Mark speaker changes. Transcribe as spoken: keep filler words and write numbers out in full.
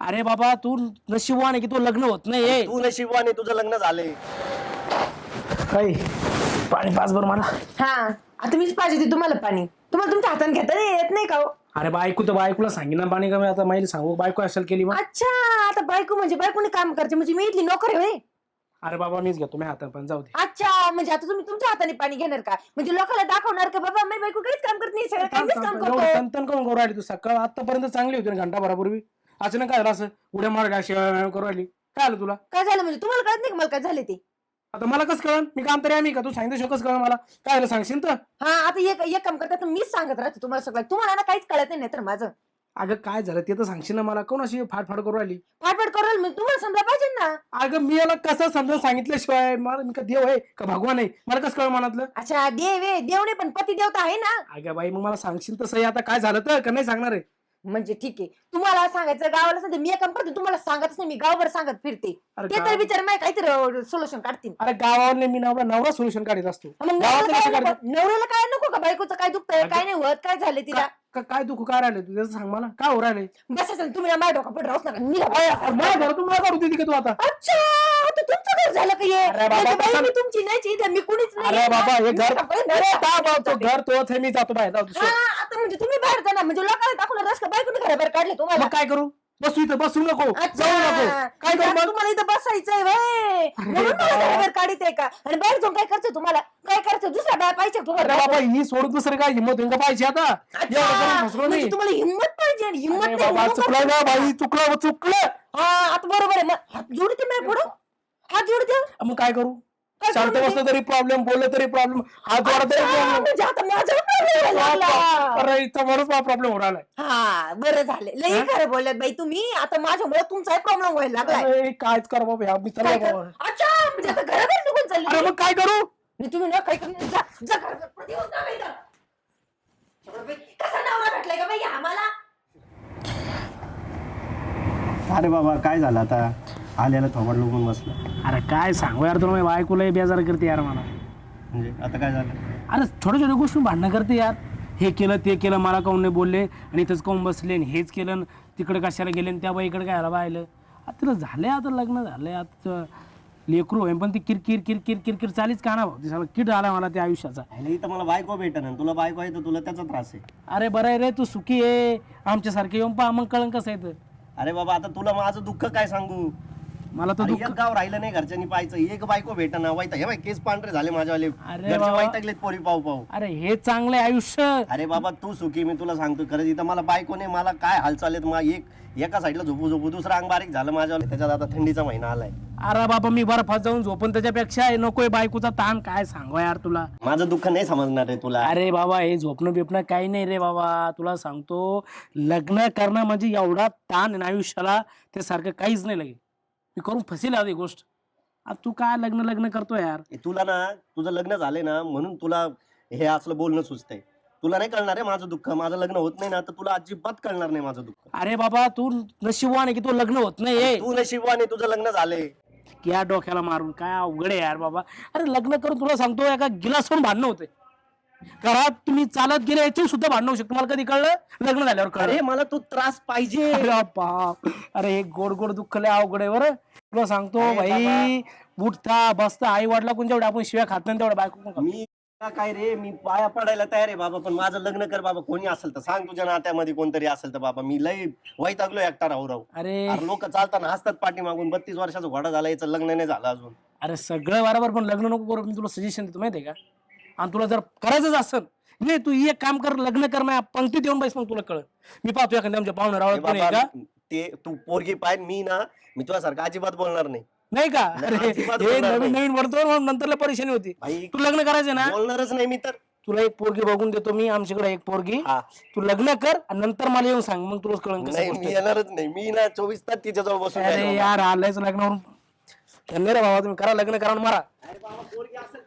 Speaker 1: अरे बाबा तू नशिबवान आहे की तू लग्न होत नाही.
Speaker 2: तू नशिबवान आहे, तुझं लग्न झालंय.
Speaker 1: काही पाणी पाच बरं मला.
Speaker 3: हा आता मीच पाहिजे होती तुम्हाला पाणी. तुम्हाला तुमच्या हाताने घेता येत नाही का हो?
Speaker 1: अरे बायको तर बायकोला सांगी ना पाणी कमी. आता माहिती सांगू बायको असेल केली मग.
Speaker 3: अच्छा आता बायको म्हणजे बायकोने काम करते म्हणजे मी इथली नोकर आहे होय?
Speaker 1: अरे बाबा मीच घेतो मी हातात पण जाऊ दे.
Speaker 3: अच्छा म्हणजे आता तुम्ही तुमच्या हाताने पाणी घेणार का? म्हणजे लोकांना दाखवणार का बाबा मी बायको काहीच काम करत नाही, सगळं काही मीच काम करतो.
Speaker 1: तंतन करून करू राहिली तू. सकाळ आतापर्यंत चांगली होती ना घंटाभरापूर्वी. अचानक काय झालं असं उड्या मार शिवाय करू राहिली? काय आलं तुला?
Speaker 3: काय झालं म्हणजे तुम्हाला कळत नाही का मला काय झाले ते?
Speaker 1: आता मला कसं कळण? मी काम तरी आम्ही का? तू सांगितलं कसं कळण मला? काय झालं सांगशील तर?
Speaker 3: हा आता एक एक काम करता तर मीच सांगत राहते तुम्हाला सगळं. तुम्हाला ना काहीच कळत नाही तर माझं.
Speaker 1: अगं काय झालं ते तर सांगशील ना मला? कोण अशी फाडफाड करू राहिली?
Speaker 3: फाटफाट करेल मी तुम्हाला समजा पाहिजे ना.
Speaker 1: अगं मी याला कसं समजा सांगितल्याशिवाय मला मी का देव आहे का भगवान आहे? मला कसं कळ मनातलं?
Speaker 3: अच्छा देव आहे, देवणे पण पती देवता आहे ना.
Speaker 1: अगं बाई मग मला सांगशील तसं आता काय झालं तर का नाही सांगणार आहे?
Speaker 3: म्हणजे ठीक आहे तुम्हाला सांगायचं गावाला सांगते मी काम करते तुम्हाला सांगतच नाही, मी गावभर सांगत फिरते.
Speaker 1: अरे
Speaker 3: ते तर
Speaker 1: गाव-
Speaker 3: विचार नाही काहीतरी सोल्युशन काढतील.
Speaker 1: अरे गावावरले मी नवरा नवरा सोल्युशन काढत असतो.
Speaker 3: मग
Speaker 1: गावातले
Speaker 3: नवऱ्याला
Speaker 1: कसं
Speaker 3: काय
Speaker 1: काढतात?
Speaker 3: नको? नवऱ्याला काय नको का? बायकोचं काय दुखतंय काय नाही होत, काय झालं तिला?
Speaker 1: का- काय दुखू काय राहिले तू त्याचं सांग मला. काय हो राहिले?
Speaker 3: बसायचं ना तुम्ही ना माझ्या डोका पड राहूच नका निघा.
Speaker 1: मला घरातून तुम्हाला काढू देते का तू आता?
Speaker 3: अच्छा आता तुमचं घर झालं का हे?
Speaker 1: अरे बाबा,
Speaker 3: नाही तर बाई,
Speaker 1: कसं-
Speaker 3: मी तुमची नाही इथं मी कुणीच नाही.
Speaker 1: अरे बाबा हे घर
Speaker 3: निघा, पळ,
Speaker 1: अरे
Speaker 3: निघा.
Speaker 1: का बाबा, तो घर तोच आहे मी जातो बाहेर जाऊ
Speaker 3: हा, आता म्हणजे तुम्ही बाहेर जाणार म्हणजे लोकांना दाखवलं रस का बायकोने घराबाहेर काढले तुम्हाला?
Speaker 1: मग काय करू? बसू इथं बसू नको
Speaker 3: अच्छा.
Speaker 1: जाऊ नको काय करू
Speaker 3: आता
Speaker 1: मग?
Speaker 3: तुम्हाला इथं बसायचंय व्हय. म्हणून मला
Speaker 1: बाबा.
Speaker 3: घराबाहेर काढीत आहे का? आणि बाहेर जाऊन काय करायचं तुम्हाला? काय करायचं दुसरा बाय पाहिजे
Speaker 1: अरे
Speaker 3: तुम्हाला?
Speaker 1: बाबा ही सोडून दुसरं काय हिंमत होईल का पाहिजे आता?
Speaker 3: अच्छा,
Speaker 1: एवढं करून फसलो
Speaker 3: म्हणजे
Speaker 1: मी.
Speaker 3: तुम्हाला हिंमत पाहिजे आणि हिंमत
Speaker 1: अरे
Speaker 3: नाही
Speaker 1: बाबा
Speaker 3: म्हणून
Speaker 1: चुकलं
Speaker 3: करतो.
Speaker 1: ना बाई चुकलं चुकलं.
Speaker 3: हा आता बरोबर आहे मग हात जोडते मी पुढं हात जोडते.
Speaker 1: मग काय करू?
Speaker 3: काय
Speaker 1: शांत
Speaker 3: करू
Speaker 1: बसलं तरी प्रॉब्लेम, बोललं तरी प्रॉब्लेम, हात जोडा तरी
Speaker 3: अच्छा,
Speaker 1: प्रॉब्लेम.
Speaker 3: म्हणजे आता माझ्यावर problem यायला लागला.
Speaker 1: अरे इथं म्हणून प्रॉब्लेम होणार आहे.
Speaker 3: हा बरं झालं लई
Speaker 1: हा?
Speaker 3: खरं बोलल्यात बाई तुम्ही. आता माझ्यामुळे तुमचाही प्रॉब्लेम व्हायला लागलाय.
Speaker 1: अरे कायच कर बाबा या मी
Speaker 3: काय
Speaker 1: चाललो
Speaker 3: कर-
Speaker 1: बाबा.
Speaker 3: अच्छा म्हणजे आता घराबाहेर निघून चालली
Speaker 1: अरे मग काय करू?
Speaker 3: नाही तुम्ही ना काही करून जा जा घराबाहेर. पती होत ना बाई इथं. एवढं बाई, कसा नवरा भेटलाय का बाई आम्हाला?
Speaker 2: अरे बाबा काय झालं आता? आल्याला थोबड लोकून बसलं.
Speaker 1: अरे काय सांगू यार तुला, बायकोला बेजार करते यार मला.
Speaker 2: म्हणजे आता काय झालं?
Speaker 1: अरे छोट्या छोट्या गोष्टी भांडणं करते यार. हे केलं ते केलं मला काऊन नाही बोलले आणि इथंच काऊन बसले आणि हेच केलं आणि तिकडे कशाला गेले आणि त्या बाईकडे काय पाहिलं. आता तिला झालंय आता लग्न झालंय आता लेकरू होईन पण ती किरकिर किरकिर किरकिर चालीच का ना भाऊ. सगळं किट आला मला त्या आयुष्याचा.
Speaker 2: आणि इथं मला बायको भेटन तुला बायको आहे तर तुला त्याचा त्रास आहे.
Speaker 1: अरे बरं आहे रे तू सुखी आहे आमच्यासारखे येऊन पहा मग कळण कसं आहे तर.
Speaker 2: अरे बाबा आता तुला माझं दुःख काय सांगू?
Speaker 1: मला तर
Speaker 2: अरे
Speaker 1: दुःख
Speaker 2: एक गाव राहिलं नाही घरच्यांनी पाहायचं, एक बायको भेटना वाईट हे बाई केस पांढरे झाले माझ्यावाले.
Speaker 1: अरे
Speaker 2: घरचे
Speaker 1: बाबा.
Speaker 2: वैतागलेत पोरी पाहू पाहू.
Speaker 1: अरे हे चांगलं आहे आयुष्य.
Speaker 2: अरे बाबा तू सुखी मी तुला सांगतो खरंच इथं मला बायको नाही, मला काय हालचाल आहेत. मा एक एका साईडला झोपू झोपू दुसरा अंग बारीक झालं माझ्यावाले. त्याच्यात आता थंडीचा महिना आलाय.
Speaker 1: अरे बाबा मी बर्फात जाऊन झोपून त्याच्यापेक्षा हे नकोय बायकोचा ताण. काय सांगू यार तुला.
Speaker 2: माझं दुःख नाही समजणार आहे तुला.
Speaker 1: अरे बाबा हे झोपणं बिपणं काही नाही रे बाबा. तुला सांगतो लग्न करणं म्हणजे एवढा ताण आहे ना आयुष्याला ते सारखं काहीच नाही लगे. मी करून फसेल आधी गोष्ट. आता तू काय लग्न लग्न करतो यार.
Speaker 2: ए, तुला ना तुझं लग्न झालंय ना म्हणून तुला हे असलं बोलणं सुचतंय. तुला नाही कळणार आहे माझं दुःख. माझं लग्न होत नाही ना तर तुला अजिबात कळणार नाही माझं दुःख.
Speaker 1: अरे बाबा तू नशिबवान आहे की तू लग्न होत नाही.
Speaker 2: तू नशिबवाने तुझं लग्न झालंय.
Speaker 1: या डोक्याला मारून काय अवघड आहे यार बाबा. अरे लग्न करून तुला सांगतो एका गिलासवरून भांडणं होते. घरात तुम्ही चालत गेले याची सुद्धा भांडणं होऊ शकतो. मला कधी कळलं लग्न झाल्यावर कळलं.
Speaker 2: अरे मला तू त्रास पाहिजे.
Speaker 1: अरे बाप. अरे हे गोड गोड दुःख लय अवघड आहे बरं. तुला सांगतो
Speaker 2: अरे
Speaker 1: भाई उठता बसता आई वडिला कोण जेवढे आपण शिव्या खात नाही तेवढ्या बायको कोण खात.
Speaker 2: मी का काय रे मी पाया पडायला तयार आहे बाबा पण माझं लग्न कर बाबा. कोणी असेल तर सांग तुझ्या नात्यामध्ये कोणतरी असेल तर बाबा. मी लय वैतागलो एकटा राहू राहू.
Speaker 1: अरे
Speaker 2: अरे लोक चालताना हसतात पाठी मागून. बत्तीस वर्षाचा घोडा झाला याचं लग्न नाही झालं अजून.
Speaker 1: अरे सगळं बरोबर पण लग्न नको करू. मी तुला सजेशन देतो माहितीये का. आणि तुला जर करायचंच असेल नाही तू एक काम कर लग्न कर माझ्या पंक्तीत येऊन बैस मग तुला कळत. मी पाहतो एखाद्या आमच्या पाहुणे
Speaker 2: ए
Speaker 1: रावळत कोणी आहे
Speaker 2: बाबा,
Speaker 1: का
Speaker 2: ते तू पोरगी पाय मी ना मी तुझ्यासारखं अजिबात बोलणार नाही.
Speaker 1: नाही का.
Speaker 2: नाही,
Speaker 1: अरे
Speaker 2: अजिबात
Speaker 1: हे
Speaker 2: बोलणार
Speaker 1: नवीन
Speaker 2: नाही.
Speaker 1: नवीन म्हणतो म्हणून नंतरला परेशानी होती.
Speaker 2: भाई
Speaker 1: तू लग्न करायचं ना
Speaker 2: बोलणारच नाही मी तर.
Speaker 1: तुला एक पोरगी बघून देतो मी आमच्याकडे एक पोरगी.
Speaker 2: हा.
Speaker 1: तू लग्न कर आणि नंतर मला येऊन सांग मग तुला कळण
Speaker 2: नाही मी येणारच नाही. मी ना चोवीस तास तिच्याजवळ बसून
Speaker 1: अरे
Speaker 2: राहील बाबा.
Speaker 1: यार आलायच लग्नावरून. धन्य रे बाबा तुम्ही करा लग्न करा आणि मारा.
Speaker 2: अरे बाबा पोरगी असेल